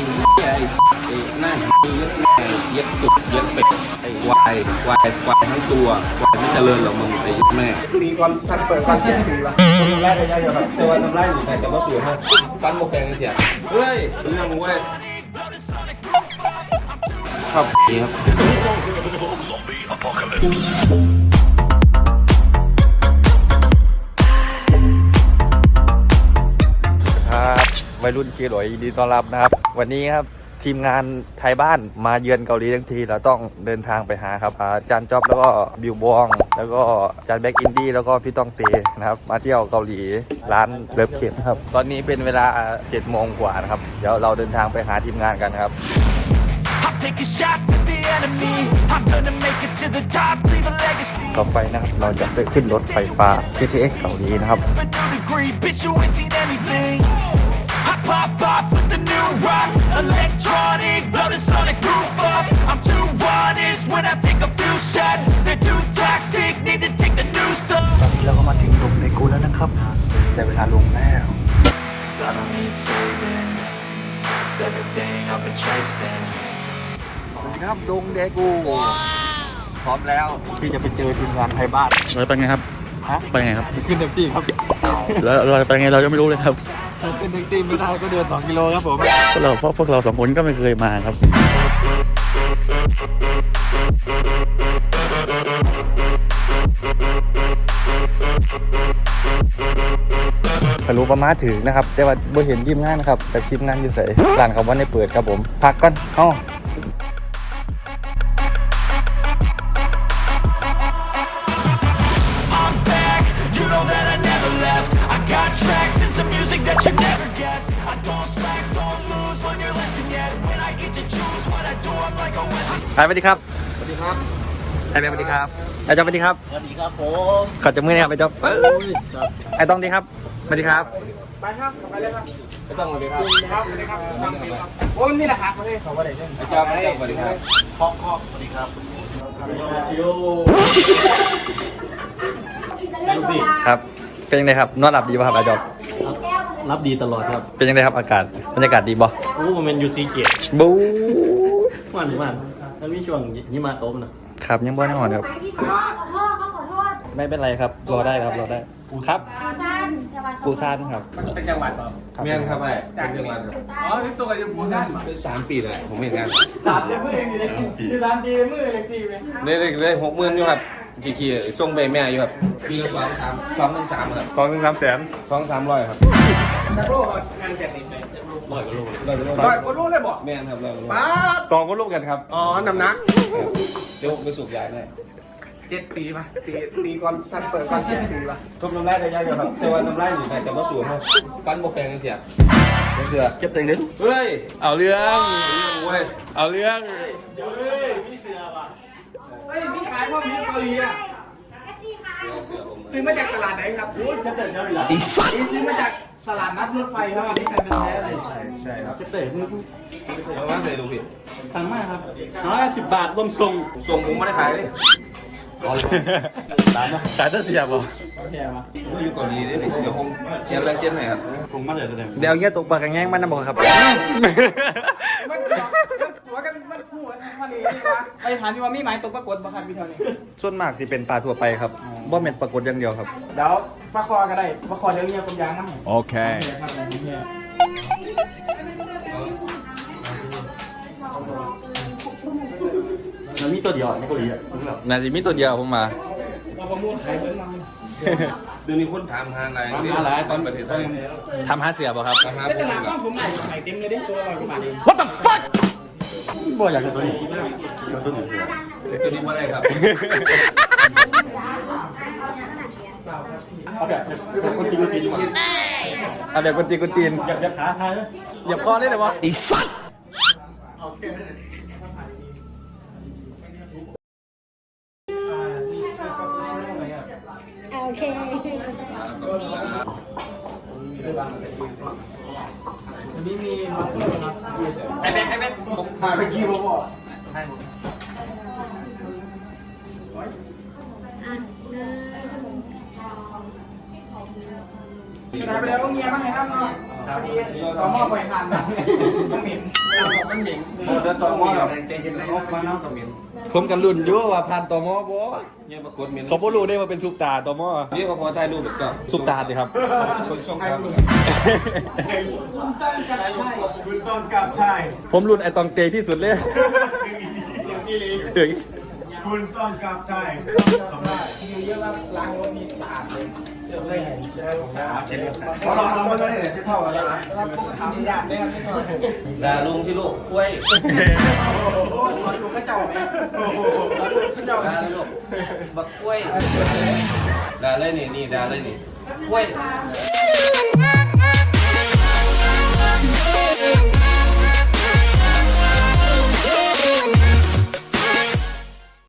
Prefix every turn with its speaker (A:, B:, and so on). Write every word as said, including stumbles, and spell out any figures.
A: ไอ้ไอ้หน้าเย็ดไอ้เย็ดตุกเย็ดเป็ดไอ้ควายควายควายทั้งตัวควายไม่เจริญหรอกมึงไอ้แม่ตีก่อนทันเปิดฟันเสียงตีละทำไรระยะเดียวครับแต่ว่าทำไรอยู่ไหนแต่ว่าสวยมากฟันโมแกงเสียเฮ้ยเรื่องเว้ยครับดีครับ
B: ครับวัยรุ่นเคหลอยยินดีต้อนรับนะครับวันนี้ครับทีมงานไทยบ้านมาเยือนเกาหลีทั้งทีเราต้องเดินทางไปหาครับอาจารย์จ๊อบแล้วก็บิวบองแล้วก็อาจารย์แบ็กอินดี้แล้วก็พี่ต้องเตนะครับมาเที่ยวเกาหลีร้านเลิฟเข็มครับตอนนี้เป็นเวลาเจ็ดโมงกว่านะครับเดี๋ยวเราเดินทางไปหาทีมงานกันครับต่อไปนะครับเราจะไปขึ้นรถไฟฟ้า เค ที เอ็กซ์ เกาหลีนะครับPop off with the new rock Electronic, blow the sonic roof up I'm too honest when I take a few shots They're too toxic, need to take the new song ตอนนี้เราก็มาถึงลงในกูแล้วนะครับแต่เวลาลงแล้ว I don't need saving It's everything I've been chasing สวัสดีครับลงเดกูพร้อมแล้วที่จะไปเจอทีมงานไทยบ้าน
C: เราไปไงครับ
B: ฮะ
C: ไปไงครับ
B: ขึ้นแท็กซี่ครับ
C: แล้วเราไปไงเราจะไม่รู้เลยครับ
B: ขึ้นแท็กซี่ไม่ได้ก็เดินสองกิโลครับผม
C: พวกเราพวกพวกเราสองคนก็ไม่เคยมาครับ
B: ทะลุประมาถึงนะครับแต่ว่าบ่เห็นทีมงานนะครับแต่ทีมงานอยู่ใส่ร้านเขาว่าในเปิดครับผมพักก่อนเอ้าสวัสดีครับ
A: สวัสดีครับ
B: ไอ้เบลสวัสดีครับไอ้จ๊อบสวัสดีครับ
A: สวัสดีครับผม
B: ขอจับมือนะครับไอ้จ๊อบไอ้ต้องดีครับสวัสดีครับ
A: ไปครับไปเลยครับไอ้ต้องสวัสดีครับสวัสดีครับสวัสดีครับต้องดีครับโอ้ยนี่แหละครับเลยเขาว่าอะไรเนี่ยไอ้จ๊อบไอ้จ๊อบสวัสดีครับเคาะเคาะสวัสดีครับ
B: ครับเป็นยังไงครับนอนหลับดีป่ะครับไอ้จ๊อบ
A: รับดีตลอดครับ
B: เป็นยังไงครับอากาศบรรยากาศดีบ่
A: โอ้มันเป็นยูซีเกียร์
B: บู๊
A: มันมันแล้วมีช่วงหิมะตกนะครับ
B: ยังบ่แน่นอนครับ
D: ขอโทษเขาขอโทษ
B: ไม่เป็นไรครับรอได้ครับรอได้ครับปูซานครับ
A: เป็นจังหวัดครับ
E: เมียนครับไอ้เป็นจังหวัด
A: อ๋อที่ตัวอยู่ปูซาน
E: เป็นสามปีเลยผมเห็นงาน
A: สามเดือนมือเองอยู่เลยคือสามปีมือเลยสี่เลย
E: ได้ได้ได้หกหมื่นอยู่ครับขี่ขี่ส่งไปแม่อยู่ครับปีละสองสามสองหนึ่งสามครับ
B: สองถึงสามแสน
E: สองสามร้อยครับ
A: นักโลกงานแจกนี่ไปร้อยกว่าโลร้อยกว่าโล
E: ร้อยกว่าโลเลยบอกแม่นครับร้อยกว่าโล
A: ป้า
B: สองก็ลูกกันครับ
A: อ๋อน้ำหนัก
E: เดี๋ยวไปสูบยาได้
A: เจ็ดปีป่ะตีตีก่อนทันเปิดก่อนเจ็ดปีป่ะ
E: ทุบน้ำลายได้ยากอยู่ครับแต่ว่าน้ำลายอยู่ไหนแต่ว่าสวยมากฟันโมแกงเสียเสือ
B: เก็บเต็งนิด
E: เฮ้ย
B: เอาเรื่อง
E: เว้ย
B: เอาเรื่อง
A: เฮ้ยมีเสือป่ะเฮ้ยมีขายพวกนี้เกาหลีอ่ะซื้อมาจากตลาดไหนครับโอ้ยจะเตะเกาหลีอีสัตว์ซื้อมาจากตลาดนัดรถไฟครับอันนี้ใครเป็นแท้เลย
E: ใช่ครับ
B: จะเตะมือ
E: เอาว่าเตะดูผิด
A: สั่งมากครับน้อยสิบบาทรวมส่ง
E: ส่งผมไม่ได้ขายเลย
B: ตามนะขายต้นเสียบเหรอ
A: เสียบ
E: ผมอยู่เกาหลีเลยเดี๋ยวผมเชียร์อะไรเชียร์ไหนครับ
A: ผมมาเลยแสดง
B: เดี๋ยวเงี้ยตกปากกันแง่งมันนะบอกครับ
A: มันตัวกันมันคู่กันมาเลยไปถามดีว่ามีหมายตกปรากฏบ่ครับพี่เท่านี้
B: ส่วนมากสิเป็นปลาทั่วไปครับบ่เม็ดปรากฏอย่างเดียวครับ
A: เดี๋ยวปลาคอก็ได้ปลาคอเดี๋ยวเงี้ยผมยางนะ
B: โอเค
C: มันมีตัวเดียวในเกาหลีอ่ะ
B: น่าจะมีตัวเดียวผมมา
A: เราประมูลขายเพิ่มมา
E: เดี๋ยวนี้คนถามหาอะไรที่ตอนประเทศไทย
B: ทำหาเสือป่ะครับ
E: ทำหา
A: ไม่
E: ปู
A: ตลาด
E: ค
A: ข้า
E: รับ
A: งผมใหม่ใหม่เต็มเลยดิตัวละร้อยกว่าบาทเอง
B: What the fuck
C: บ่อยากจะตัวนี้ตัวนี้
E: ตัวนี้ว่าอะไรครับ
C: เอาแบบแบบคนตีนคนตีน
B: เอาแบบคนตีคนตีน
C: อย่าอย่าขาทาย
B: อย่าคอได้เลยวะไอ้สัตว์
D: โอเค
A: วันนี้มีมาเฟิร์นะ
E: ไอ้แม่ไอ้แม่ผมพาไปกี่โมงบอกให้ผม
A: ไปแล้วเมียมาให้น้ำเนาะต่อหม้อไฟทานนะต้องเหม็นมันเหม็นเดินต่อมอแบบใจเย็นเลยมาเนาะต่อเหม็น
E: ผมกันรุ่นอยู่ว่าผ่านตมบ่
A: เนี่ยปรากฏเหม็น
E: เขาบ่รู้ได้ว่าเป็นซุปตาตม
A: นี่เขาพอถ่ายรูปแบบก็
E: ซุปตาสิครับ
A: คนส่งครับ
C: คุณต้นกับชาย
E: ผมรุ่นไอตองเตที่สุดเลยถึง
C: คุณต้นกับชาย
A: พอลองลองมันก็ได้เนี่ยเส้นเท่ากันแล้วนะ
E: ด่าลุงที่ลูกคุ้ยด่าเลยลูกบักคุ้ยด่าเลยนี่นี่ด่าเลยนี่คุ้ย